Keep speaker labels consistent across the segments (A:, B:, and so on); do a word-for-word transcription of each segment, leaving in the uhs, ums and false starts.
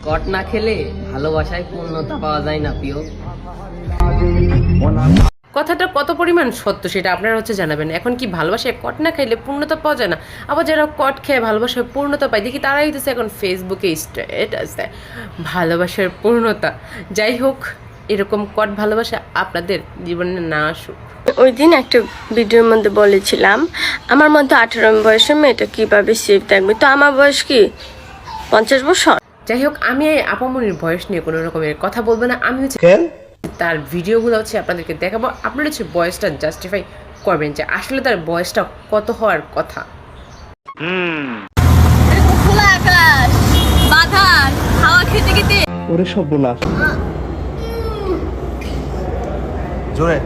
A: কট না খেলে ভালোবাসায় পূর্ণতা পাওয়া যায় না প্রিয়।
B: কথাটা কত পরিমাণ সত্য সেটা আপনারা হচ্ছে জানাবেন। এখন কি ভালোবাসায় কট না খাইলে পূর্ণতা পাওয়া যায় না? আবার যারা কট খেয়ে ভালোবাসায় পূর্ণতা পায় দেখি তারাই হইতেছে এখন ফেসবুকে স্ট্যাটাস দেয় ভালোবাসার পূর্ণতা। যাই হোক, এরকম কট ভালোবাসা আপনাদের জীবনে না আসুক।
C: ওই দিন একটা ভিডিওর মধ্যে বলেছিলাম আমার মধ্যে আঠারো বয়সের মেয়েটা কীভাবে সেফ থাকবে, তো আমার বয়স কি পঞ্চাশ বছর।
B: যাই হোক, আমি এই আপামনির বয়স নিয়ে কোনো রকমের কথা বলবো না। আমি হচ্ছে তার ভিডিওগুলো হচ্ছে আপনাদেরকে দেখাবো, আপনারা হচ্ছে বয়সটা জাস্টিফাই করবেন যে আসলে তার বয়সটা কত হওয়ার কথা।
C: খোলা আকাশ, বাধার হাওয়া খেতে খেতে
D: ওরে সব বলা জোরে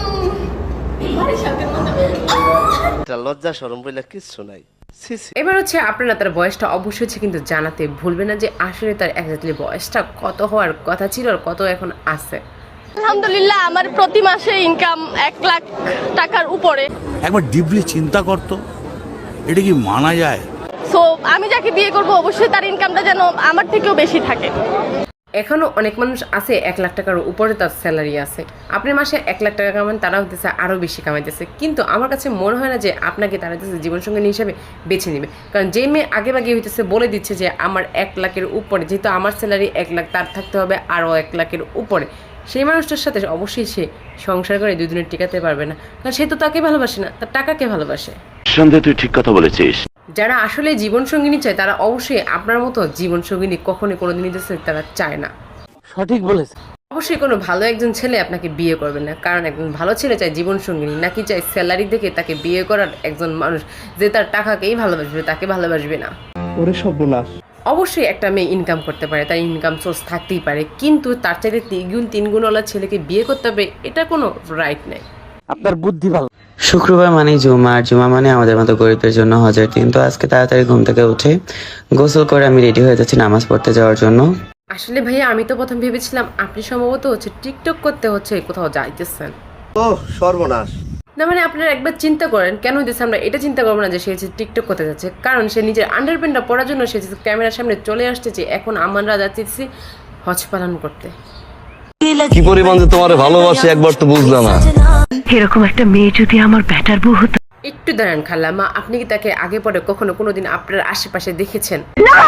D: লজ্জা শরম বলে কিচ্ছু নাই।
B: এবার হচ্ছে আপনারা তার বয়সটা অবশ্যই হচ্ছে কিন্তু জানাতে ভুলবেন না যে আসলে তার এক্স্যাক্টলি বয়সটা কত হওয়ার কথা ছিল আর কত এখন আছে।
C: আলহামদুলিল্লাহ আমার প্রতি মাসে ইনকাম এক লাখ টাকার উপরে।
E: একবার ডিপলি চিন্তা করতো এটা কি মানা যায়?
C: সো আমি যাকে বিয়ে করব অবশ্যই তার ইনকামটা যেন আমার থেকেও বেশি থাকে।
B: এখনো অনেক মানুষ আছে এক লাখ টাকার উপরে তার স্যালারি আছে। আপনি মাসে এক লাখ টাকা কামান, তারা হতেছে আরও বেশি কামাইতেছে। কিন্তু আমার কাছে মনে হয় না যে আপনাকে তারা হতেছে জীবনসঙ্গিনী হিসাবে বেছে নেবে। কারণ যে মেয়ে আগে বাগে হইতেছে বলে দিচ্ছে যে আমার এক লাখের উপরে, যেহেতু আমার স্যালারি এক লাখ, তার থাকতে হবে আরও এক লাখের উপরে, সেই মানুষটার সাথে অবশ্যই সে সংসার করে দুই দিনের টিকাতে পারবে না। কারণ সে তো তাকে ভালোবাসে না, তার টাকাকে ভালোবাসে।
F: সন্দেহ, তুই ঠিক কথা বলেছিস।
B: যারা আসলে জীবনসঙ্গিনী চায় তারা অবশ্যই আপনার মতো জীবনসঙ্গিনী কখনোই কোনোদিনই তারা চায় না।
A: সঠিক বলেছে।
B: অবশ্যই কোনো ভালো একজন ছেলে আপনাকে বিয়ে করবে না, কারণ একজন ভালো ছেলে চায় জীবনসঙ্গিনী, নাকি চায় স্যালারি দেখে তাকে বিয়ে করার একজন মানুষ যে তার টাকাকেই ভালোবাসবে, তাকে ভালোবাসবে না।
D: ওরে সব বলা
B: অবশ্যই একটা মেয়ে ইনকাম করতে পারে, তার ইনকাম সোর্স থাকতেই পারে, কিন্তু তার চাইতে তিনগুণ তিনগুণওয়ালা ছেলেকে বিয়ে করতে হবে এটা কোনো রাইট নেই।
A: আপনার বুদ্ধি ভালো।
G: শুক্রবার মানে জুমা, আর জুমা মানে আমাদের মতো গরিবদের জন্য হজের দিন। তো আজকে তাড়াতাড়ি ঘুম থেকে উঠে গোসল করে আমি রেডি হয়ে যাচ্ছি নামাজ পড়তে যাওয়ার জন্য।
B: আসলে ভাইয়া আমি তো প্রথম ভেবেছিলাম আপনি সম্ভবত হচ্ছে টিকটক করতে হচ্ছে কোথাও যাইতেছেন।
D: ও সর্বনাশ।
B: না মানে আপনারা একবার চিন্তা করেন কেন হইতেছে, আমরা এটা চিন্তা করবো না যে সে হচ্ছে টিকটক করতে যাচ্ছে, কারণ সে নিজের আন্ডারপ্যান্টটা পরার জন্য সে ক্যামেরার সামনে চলে আসছে যে এখন আমরা যাচ্ছি হজ পালন করতে।
H: কি পরিমাণ যে তোমারে ভালোবাসি একবার তো বুঝলা না।
I: এরকম একটা মেয়ে যদি আমার ব্যাটার বউ হতো।
B: একটু দাঁড়ান খালাম্মা, আপনি কি তাকে আগে পরে কখনো কোনোদিন আপনার আশেপাশে দেখেছেন?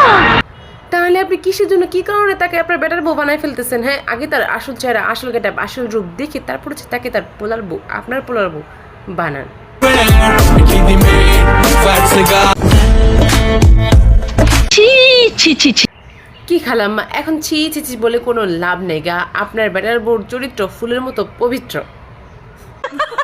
B: তাহলে আপনি কিসের জন্য কি কারণে তাকে আপনার বেটার বউ বানায় ফেলতেছেন? হ্যাঁ, আগে তার আসল চেহারা, আসল গেটআপ, আসল রূপ দেখে তারপর হচ্ছে তাকে তার পোলার বউ, আপনার পোলার বউ বানান। কি খালাম্মা, এখন ছি ছি ছি বলে কোনো লাভ নেই গা। আপনার বেটার বউর চরিত্র ফুলের মতো পবিত্র।